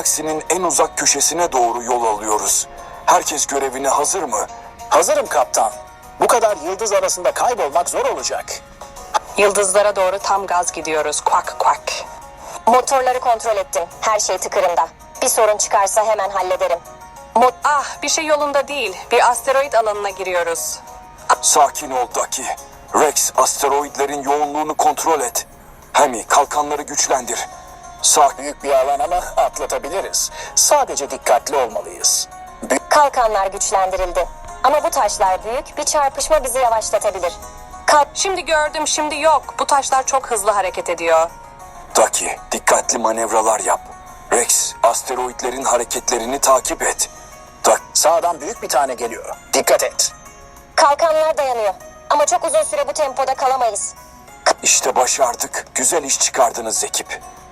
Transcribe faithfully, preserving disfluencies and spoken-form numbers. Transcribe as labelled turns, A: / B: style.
A: galaksinin en uzak köşesine doğru yol alıyoruz. Herkes görevine hazır mı?
B: Hazırım kaptan. Bu kadar yıldız arasında kaybolmak zor olacak.
C: Yıldızlara doğru tam gaz gidiyoruz. Quack quack.
D: Motorları kontrol ettim. Her şey tıkırında. Bir sorun çıkarsa hemen hallederim.
C: Mo- ah bir şey yolunda değil. Bir asteroid alanına giriyoruz.
A: Sakin ol Daki. Rex, asteroidlerin yoğunluğunu kontrol et. Hemi, kalkanları güçlendir. Sakin.
B: Büyük bir alan ama atlatabiliriz. Sadece dikkatli olmalıyız. Büyük
D: Kalkanlar güçlendirildi. Ama bu taşlar büyük, bir çarpışma bizi yavaşlatabilir. Kalk.
C: Şimdi gördüm, şimdi yok. Bu taşlar çok hızlı hareket ediyor.
A: Daki, dikkatli manevralar yap. Rex, asteroidlerin hareketlerini takip et. Dak
B: Sağdan büyük bir tane geliyor. Dikkat et.
D: Kalkanlar dayanıyor. Ama çok uzun süre bu tempoda kalamayız.
A: işte başardık. Güzel iş çıkardınız ekip.